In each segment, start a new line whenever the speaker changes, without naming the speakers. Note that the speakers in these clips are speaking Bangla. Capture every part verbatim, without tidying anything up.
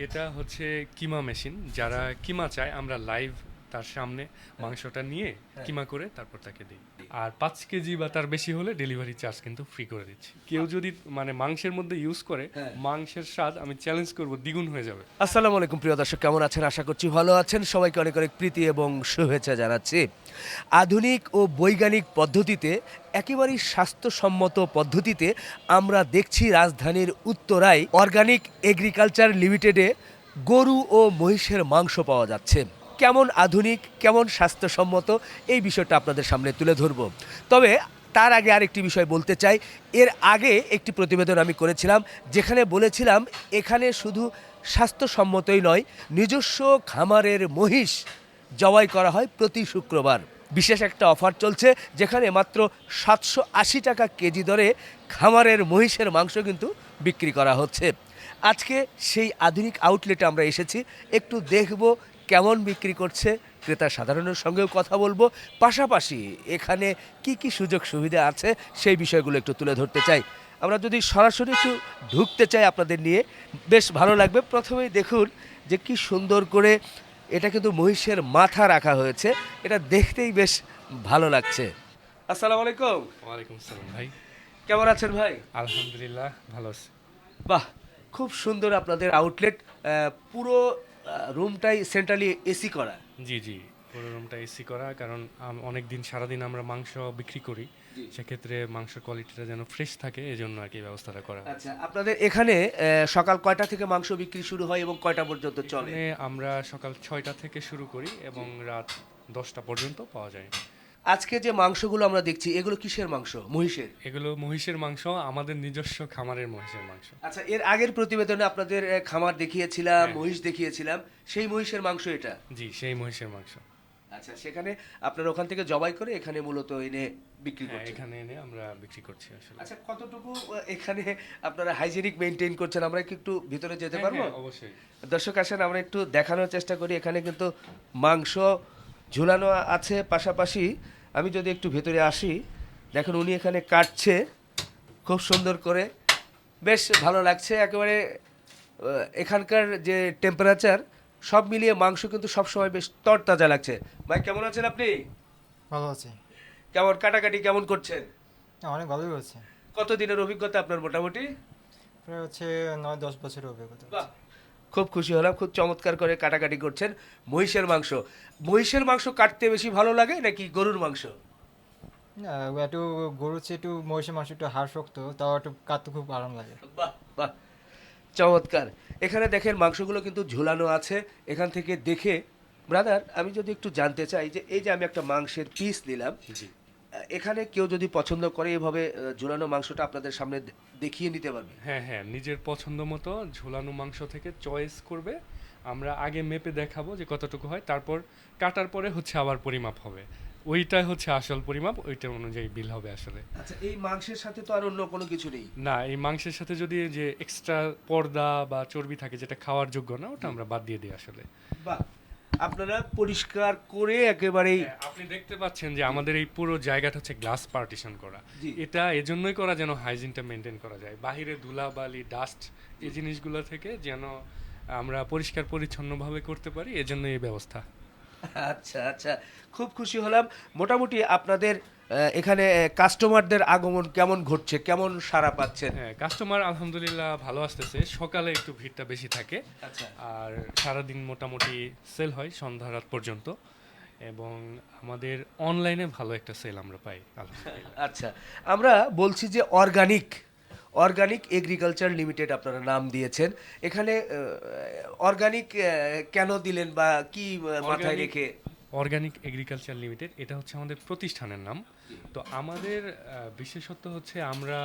এটা হচ্ছে কিমা মেশিন। যারা কিমা চায় আমরা লাইভ তার সামনে মাংসটা নিয়ে কিমা করে তারপর তাকে দিই। আর পাঁচ কেজি বা তার বেশি হলে ডেলিভারি চার্জ কিন্তু ফ্রি করে দিচ্ছি। কেউ যদি মানে মাংসের মধ্যে ইউজ করে, মাংসের স্বাদ আমি চ্যালেঞ্জ করব দ্বিগুণ হয়ে যাবে।
আসসালামু আলাইকুম প্রিয় দর্শক, কেমন আছেন? আশা করছি ভালো আছেন। সবাইকে অনেক অনেক প্রীতি এবং শুভেচ্ছা জানাচ্ছি। আধুনিক ও বৈজ্ঞানিক পদ্ধতিতে, একেবারেই স্বাস্থ্যসম্মত পদ্ধতিতে আমরা দেখছি রাজধানীর উত্তরায় অর্গানিক এগ্রিকালচার লিমিটেডে গরু ও মহিষের মাংস পাওয়া যাচ্ছে। কেমন আধুনিক, কেমন স্বাস্থ্যসম্মত, এই বিষয়টা আপনাদের সামনে তুলে ধরব। তবে তার আগে আরেকটি বিষয় বলতে চাই। এর আগে একটি প্রতিবেদন আমি করেছিলাম, যেখানে বলেছিলাম এখানে শুধু স্বাস্থ্যসম্মতই নয়, নিজস্ব খামারের মহিষ জবাই করা হয় প্রতি শুক্রবার। বিশেষ একটা অফার চলছে, যেখানে মাত্র সাতশো আশি টাকা কেজি দরে খামারের মহিষের মাংস কিন্তু বিক্রি করা হচ্ছে। আজকে সেই আধুনিক আউটলেটে আমরা এসেছি, একটু দেখব কেমন বিক্রি করছে, ক্রেতা সাধারণের সঙ্গেও কথা বলবো, পাশাপাশি এখানে কি কি সুযোগ সুবিধা আছে সেই বিষয়গুলো একটু তুলে ধরতে চাই। আমরা যদি সরাসরি একটু ঢুকতে চাই আপনাদের নিয়ে, বেশ ভালো লাগবে। প্রথমেই দেখুন যে কি সুন্দর করে এটা কিন্তু মহিষের মাথা রাখা হয়েছে, এটা দেখতেই বেশ ভালো লাগছে। আসসালামু আলাইকুম।
ওয়ালাইকুম আসসালাম ভাই।
কেমন আছেন ভাই?
আলহামদুলিল্লাহ ভালো আছি।
বাহ, খুব সুন্দর আপনাদের আউটলেট। পুরো রুমটাই সেন্ট্রালি এসি করা।
জি জি, পুরো রুমটা এসি করা, কারণ অনেক দিন সারাদিন আমরা মাংস বিক্রি করি, সেক্ষেত্রে মাংসের কোয়ালিটিটা যেন ফ্রেশ থাকে, এই জন্য আর কি ব্যবস্থাটা করা।
আচ্ছা, আপনাদের এখানে আহ, সকাল কয়টা থেকে মাংস বিক্রি শুরু হয় এবং কয়টা পর্যন্ত চলে?
এখানে আমরা সকাল ছয়টা থেকে শুরু করি এবং রাত দশটা পর্যন্ত পাওয়া যায়।
আজকে যে মাংসগুলো আমরা দেখছি, এগুলো কিসের মাংস? মহিষের?
এগুলো মহিষের মাংস, আমাদের নিজস্ব খামারের মহিষের মাংস।
আচ্ছা, এর আগের প্রতিবেদনে আপনাদের আহ, খামার দেখিয়েছিলাম,
হ্যাঁ।
মহিষ দেখিয়েছিলাম, সেই মহিষের মাংস এটা?
জি, সেই মহিষের মাংস।
আচ্ছা, সেখানে আপনারা ওখান থেকে জবাই করে এখানে মূলত এনে বিক্রি
হ্যাঁ,
করছেন?
এখানে এনে আমরা বিক্রি করছি আসলে।
আচ্ছা, কতটুকু আহ, এখানে আপনারা হাইজেনিক মেনটেন করছেন? আমরা কি একটু ভিতরে যেতে
হ্যাঁ,
পারবো?
হ্যাঁ, অবশ্যই।
দর্শক আসেন, আমরা একটু দেখানোর চেষ্টা করি। এখানে কিন্তু মাংস ঝুলানো আছে, পাশাপাশি আমি যদি একটু ভেতরে আসি, দেখুন উনি এখানে কাটছে খুব সুন্দর করে, বেশ ভালো লাগছে একেবারে। আহ, এখানকার যে টেম্পারেচার সব মিলিয়ে মাংস কিন্তু সবসময় বেশ তরতাজা লাগছে। ভাই, কেমন আছেন আপনি?
ভালো আছে।
কেমন কাটাকাটি কেমন করছেন?
হ্যাঁ, অনেক ভালোই হচ্ছে।
কত দিনের অভিজ্ঞতা আপনার মোটামুটি?
প্রায় হচ্ছে নয় দশ বছরের অভিজ্ঞতা।
বাহ, খুব খুশি হলাম, খুব চমৎকার করে কাটাকাটি করছেন। মহিষের মাংস, মহিষের মাংস কাটতে বেশি ভালো লাগে নাকি গরুর মাংস?
না, একটু গরুর চেয়ে একটু মহিষের মাংস একটু হাড় শক্ত, তাও একটু কাটতে খুব আরাম লাগে।
বাহ বাহ, চমৎকার। এখানে দেখেন মাংসগুলো কিন্তু ঝুলানো আছে। এখান থেকে দেখে ব্রাদার, আমি যদি একটু জানতে চাই যে এই যে আমি একটা মাংসের পিস নিলাম,
জি
এখানে কেউ যদি পছন্দ করে এভাবে আহ, ঝুলানো মাংসটা আপনাদের সামনে দে- দেখিয়ে নিতে পারবে?
হ্যাঁ হ্যাঁ, নিজের পছন্দ মতো ঝোলানো মাংস থেকে চয়েস করবে। আমরা আগে মেপে দেখাবো যে কতটুকু হয়, তারপর কাটার পরে হচ্ছে আবার পরিমাপ হবে। ওইটাই হচ্ছে আসল পরিমাপ, ওইটার অনুযায়ী বিল হবে আসলে।
আচ্ছা, এই মাংসের সাথে তো আর অন্য কোনো কিছু নেই?
না, এই মাংসের সাথে যদি যে এক্সট্রা পর্দা বা চর্বি থাকে যেটা খাওয়ার যোগ্য না, ওটা আমরা বাদ দিয়ে দিই আসলে।
বাহ, আপনারা পরিষ্কার করে একেবারেই।
হ্যাঁ, আপনি দেখতে পাচ্ছেন যে আমাদের এই পুরো জায়গাটা হচ্ছে গ্লাস পার্টিশন করা।
জি।
এটা এজন্যই করা যেন হাইজিনটা মেনটেন করা যায়, বাহিরে ধুলাবালি ডাস্ট এই জিনিসগুলো থেকে যেন আমরা পরিষ্কার পরিচ্ছন্নভাবে করতে পারি, এজন্য এই ব্যবস্থা।
আচ্ছা আচ্ছা, খুব খুশি হলাম। মোটামুটি আপনাদের আহ, এখানে কাস্টমারদের আগমন কেমন ঘটছে, কেমন সাড়া পাচ্ছেন?
হ্যাঁ, কাস্টমার আলহামদুলিল্লাহ ভালো আসতেছে। সকালে একটু ভিড়টা বেশি থাকে,
আচ্ছা
আর সারাদিন মোটামুটি সেল হয় সন্ধ্যা রাত পর্যন্ত, এবং আমাদের অনলাইনে ভালো একটা সেল আমরা পাই আলহামদুলিল্লাহ।
আচ্ছা, আমরা বলছি যে অর্গানিক অর্গানিক এগ্রিকালচার লিমিটেড আপনারা নাম দিয়েছেন। এখানে অর্গানিক কেন দিলেন বা কি আহ, মাথায়
Organic-
রেখে?
অর্গানিক এগ্রিকালচার লিমিটেড, এটা হচ্ছে আমাদের প্রতিষ্ঠানের নাম। তো আমাদের আহ, বিশেষত্ব হচ্ছে আমরা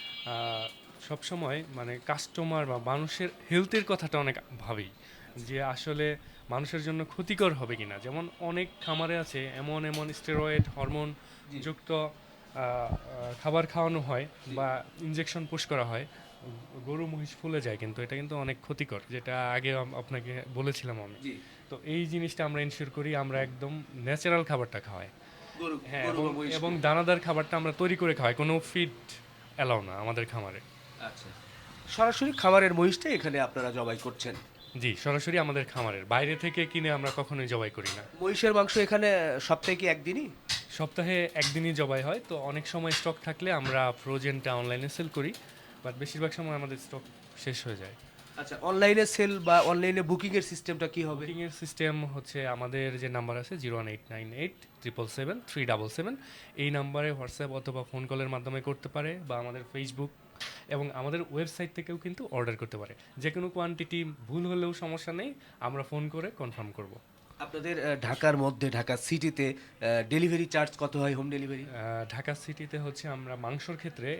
আহ, সবসময় মানে কাস্টমার বা মানুষের হেলথের কথাটা অনেক ভাবি, যে আসলে মানুষের জন্য ক্ষতিকর হবে কিনা। যেমন অনেক খামারে আছে এমন এমন স্টেরয়েড হরমোন যুক্ত আহ, আহ, খাবার খাওয়ানো হয় বা ইনজেকশন পুশ করা হয়, গরু মহিষ ফুলে যায়, কিন্তু এটা কিন্তু অনেক ক্ষতিকর, যেটা আগে আম- আপনাকে বলেছিলাম আমি।
জি,
তো এই জিনিসটা আমরা ইনশিওর করি, আমরা একদম ন্যাচারাল খাবারটা খাওয়াই।
গরু
হ্যাঁ,
গরু
এবং
বা মহিষকে।
এবং দানাদার খাবারটা আমরা তৈরি করে খাওয়াই, কোনো ফিড অ্যালাউ না আমাদের খামারে।
আচ্ছা, সরাসরি খামারের মহিষটা এখানে আপনারা জবাই করছেন?
জি, সরাসরি আমাদের খামারের বাইরে থেকে কিনে আমরা কখনোই জবাই করি না।
মহিষের মাংস এখানে সপ্তাহে কি একদিনই?
সপ্তাহে একদিনই জবাই হয়, তো অনেক সময় স্টক থাকলে আমরা ফ্রোজেনটা অনলাইনে সেল করি, বাট বেশিরভাগ সময় আমাদের স্টক শেষ হয়ে যায়।
আচ্ছা, অনলাইনে সেল বা অনলাইনে বুকিং এর সিস্টেমটা কি হবে?
বুকিং এর সিস্টেম হচ্ছে আমাদের যে নাম্বার আছে zero one eight nine eight triple seven three double seven, এই নাম্বারে হোয়াটসঅ্যাপ অথবা ফোন কলের মাধ্যমে করতে পারে, বা আমাদের ফেসবুক এবং আমাদের ওয়েবসাইট থেকেও কিন্তু অর্ডার করতে পারে। যে কোনো কোয়ান্টিটি ভুল হলেও সমস্যা নেই, আমরা ফোন করে কনফার্ম করব।
আপনাদের আহ, ঢাকার মধ্যে ঢাকা সিটিতে ডেলিভারি চার্জ কত হয়, হোম ডেলিভারি?
ঢাকা সিটিতে হচ্ছে আমরা মাংসর ক্ষেত্রে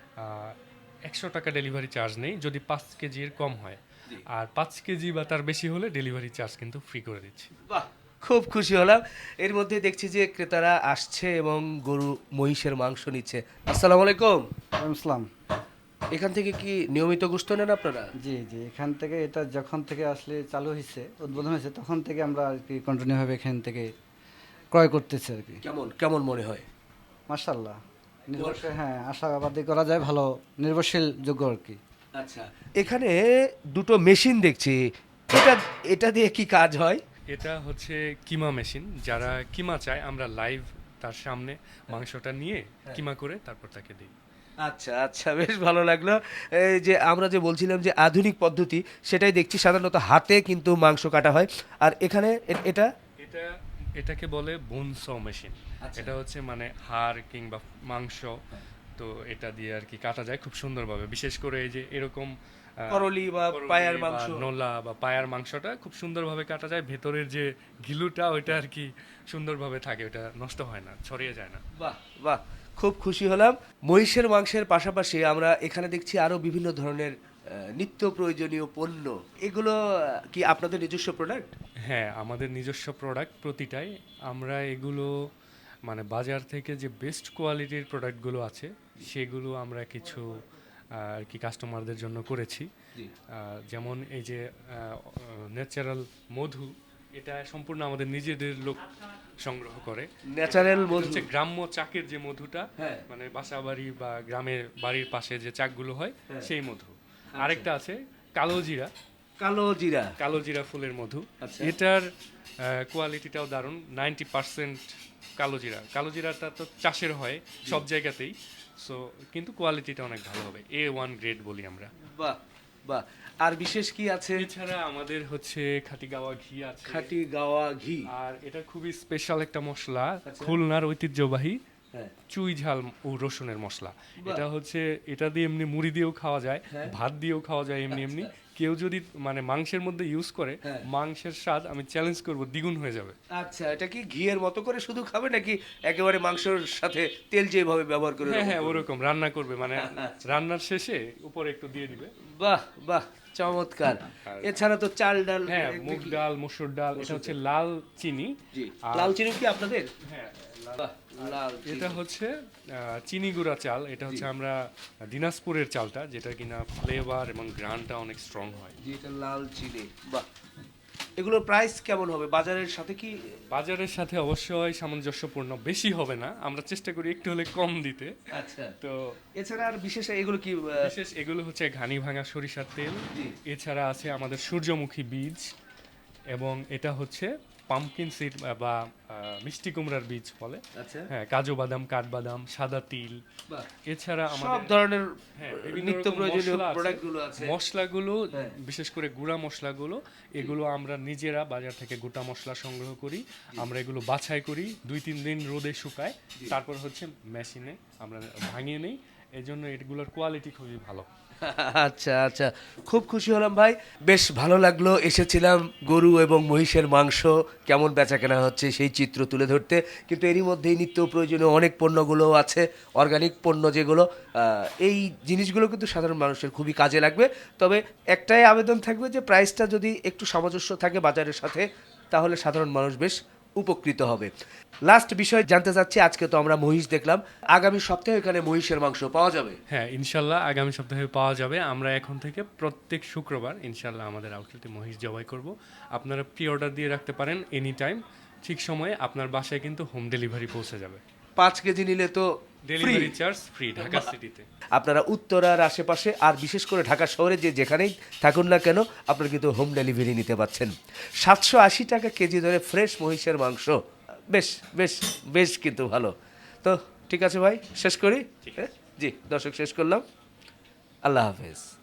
একশো টাকা ডেলিভারি চার্জ নেই যদি পাঁচ কেজির কম হয়, আর পাঁচ কেজি বা তার বেশি হলে ডেলিভারি চার্জ কিন্তু ফ্রি করে দিচ্ছি।
বাহ, খুব খুশি হলাম। এর মধ্যে দেখছি যে ক্রেতারা আসছে এবং গরু মহিষের মাংস নিচ্ছে। আসসালামু আলাইকুম।
ওয়ালাইকুম আসসালাম।
এখান থেকে কি নিয়মিত গোশত নেন আপনারা?
জি জি, এখান থেকে এটা যখন থেকে আসলে চালু হয়েছে, উদ্বোধন হয়েছে, তখন থেকে আমরা আর কি কন্টিনিউভাবে এখান থেকে ক্রয় করতেছি আর কি।
কেমন কেমন মনে হয়?
মার্শাল্লাহ, নির্ভরশীল, হ্যাঁ, আশাবাদী করা যায়, ভালো নির্ভরশীল যোগ্য আর কি।
আচ্ছা, এখানে দুটো মেশিন দেখছি, এটা এটা দিয়ে কি কাজ হয়?
এটা হচ্ছে কিমা মেশিন। যারা কিমা চায় আমরা লাইভ তার সামনে মাংসটা নিয়ে কিমা করে তারপর তাকে দিই।
আচ্ছা আচ্ছা, বেশ ভালো লাগলো। এই যে আমরা যে বলছিলাম যে আধুনিক পদ্ধতি, সেটাই দেখছি সাধারণত হাতে কিন্তু মাংস কাটা হয়, আর এখানে এ- এটা
এটা এটাকে বলে বোনস মেশিন।
আচ্ছা।
এটা হচ্ছে মানে হাড় কিংবা মাংস, তো এটা দিয়ে আর কি কাটা যায় খুব সুন্দরভাবে। বিশেষ করে এই যে এরকম আহ,
করলি বা
করলি
পায়ার
বা
মাংস।
নোলা বা পায়ার মাংসটা খুব সুন্দরভাবে কাটা যায়। ভেতরের যে ঘিলুটা ওইটা আর কি সুন্দরভাবে থাকে, ওটা নষ্ট হয় না, ছড়িয়ে যায় না।
বাহ বাহ, খুব খুশি হলাম। মহিষের মাংসের পাশাপাশি আমরা এখানে দেখছি আরো বিভিন্ন ধরনের আহ, নিত্য প্রয়োজনীয় পণ্য। এগুলো আহ, কি আপনাদের নিজস্ব প্রোডাক্ট?
হ্যাঁ, আমাদের নিজস্ব প্রোডাক্ট প্রতিটাই। আমরা এগুলো মানে বাজার থেকে যে বেস্ট কোয়ালিটির প্রোডাক্টগুলো আছে সেগুলো আমরা কিছু আহ, আর কি কাস্টমারদের জন্য করেছি।
জি।
আহ, যেমন এই যে ন্যাচারাল মধু, এটা সম্পূর্ণ আমাদের নিজেদের লোক সংগ্রহ করে।
ন্যাচারাল
এটা
মধু।
হচ্ছে গ্রাম্য চাকের যে মধুটা,
হ্যাঁ।
মানে বাসা বাড়ি বা গ্রামের বাড়ির পাশে যে চাকগুলো হয়
হ্যাঁ।
সেই মধু। আরেকটা আছে কালো জিরা,
কালো জিরা।
কালো জিরা ফুলের মধু।
আচ্ছা।
এটার কোয়ালিটিটাও দারুণ। নাইনটি পার্সেন্ট কালো জিরা, কালো জিরাটা তো চাষের হয় সব জায়গাতেই, সো কিন্তু কোয়ালিটিটা অনেক ভালো হবে, এ ওয়ান গ্রেড বলি আমরা।
বাহ বাহ, আর বিশেষ কি আছে?
এছাড়া আমাদের হচ্ছে খাঁটি গাওয়া ঘি আছে,
খাঁটি গাওয়া ঘি।
আর এটা খুবই স্পেশাল একটা মশলা,
আচ্ছা।
খুলনার ঐতিহ্যবাহী
হ্যাঁ।
চুই ঝাল ও রসুনের মশলা।
বাহ।
এটা হচ্ছে, এটা দিয়ে এমনি মুড়ি দিয়েও খাওয়া যায়,
হ্যাঁ।
ভাত দিয়েও খাওয়া যায় এমনি এমনি। কেউ যদি মানে মাংসের মধ্যে ইউজ করে,
হ্যাঁ।
মাংসের স্বাদ আমি চ্যালেঞ্জ করব দ্বিগুণ হয়ে যাবে।
আচ্ছা, এটা কি ঘিয়ের মতো করে শুধু খাবে নাকি একেবারে মাংসের সাথে তেল যেভাবে ব্যবহার করে?
হ্যাঁ হ্যাঁ,
ওরকম করবে?
ওরকম রান্না করবে, মানে রান্নার শেষে উপরে একটু দিয়ে দিবে।
বাহ বাহ, চমৎকার।
আর-
এছাড়া তো চাল ডাল।
হ্যাঁ,
এ-
মুগ
কি?
ডাল, মসুর ডাল, এটা হচ্ছে লাল চিনি।
জি।
আর-
লাল চিনি কি আপনাদের?
হ্যাঁ,
বাহ, লাল চিনি।
এটা হচ্ছে আহ, চিনি গুঁড়া চাল। এটা হচ্ছে আমরা দিনাজপুরের চালটা, যেটা কিনা ফ্লেভার এবং গ্রানটা অনেক স্ট্রং হয়।
জি, এটা লাল চিনি। বাহ, এগুলোর প্রাইস কেমন হবে বাজারের সাথে কি?
বাজারের সাথে অবশ্যই সামঞ্জস্যপূর্ণ, বেশি হবে না, আমরা চেষ্টা করি একটু হলে কম দিতে।
আচ্ছা,
তো
এছাড়া আর বিশেষ এগুলো কি? আহ,
বিশেষ এগুলো হচ্ছে ঘানি ভাঙা সরিষার তেল।
জি।
এছাড়া আছে আমাদের সূর্যমুখী বীজ, এবং এটা হচ্ছে পাম্পকিন সিড বা আহ, মিষ্টি কুমড়ার বীজ বলে।
আচ্ছা।
হ্যাঁ, কাজু বাদাম, কাঠবাদাম, সাদা তিল।
বাহ,
এছাড়া
সব
আমাদের
ধরনের
হ্যাঁ, বিভিন্ন
নিত্য
রকম
প্রয়োজনীয়
মশলা আছে।
প্রোডাক্টগুলো আছে।
মশলাগুলো
হ্যাঁ।
বিশেষ করে গুঁড়া মশলাগুলো, এগুলো আমরা নিজেরা বাজার থেকে গোটা মশলা সংগ্রহ করি। আমরা এগুলো বাছাই করি, দুই তিন দিন রোদে শুকায়, তারপর হচ্ছে মেশিনে আমরা ভাঙিয়ে নেই। এই জন্য এগুলোর কোয়ালিটি খুবই ভালো।
আচ্ছা আচ্ছা, খুব খুশি হলাম ভাই, বেশ ভালো লাগলো। এসেছিলাম গরু এবং মহিষের মাংস কেমন বেচা কেনা হচ্ছে সেই চিত্র তুলে ধরতে, কিন্তু এরই মধ্যেই নিত্য প্রয়োজনীয় অনেক পণ্যগুলো আছে, অর্গানিক পণ্য যেগুলো, আহ, এই জিনিসগুলো কিন্তু সাধারণ মানুষের খুবই কাজে লাগবে। তবে একটাই আবেদন থাকবে যে প্রাইসটা যদি একটু সামঞ্জস্য থাকে বাজারের সাথে, তাহলে সাধারণ মানুষ বেশ উপকৃত হবে। লাস্ট বিষয় জানতে চাচ্ছি, আজকে তো আমরা মহিষ দেখলাম, আগামী সপ্তাহে এখানে মহিষের মাংস পাওয়া যাবে?
হ্যাঁ, ইনশাল্লাহ আগামী সপ্তাহে পাওয়া যাবে। আমরা এখন থেকে প্রত্যেক শুক্রবার ইনশাল্লাহ আমাদের আউটলেটে মহিষ জবাই করব। আপনারা প্রি অর্ডার দিয়ে রাখতে পারেন এনি টাইম, ঠিক সময়ে আপনার বাসায় কিন্তু হোম ডেলিভারি পৌঁছে যাবে।
পাঁচ কেজি নিলে তো
ডেলিভারি চার্জ ফ্রি ঢাকা সিটিতে।
আপনারা উত্তরার আশেপাশে আর বিশেষ করে ঢাকা শহরে যে যেখানেই থাকুন না কেন আপনারা কিন্তু হোম ডেলিভারি নিতে পাচ্ছেন। সাতশো আশি টাকা কেজি ধরে ফ্রেশ মহিষের মাংস, বেশ বেশ বেশ কিন্তু ভালো। তো ঠিক আছে ভাই, শেষ করি। হ্যাঁ? জি দর্শক, শেষ করলাম। আল্লাহ হাফেজ।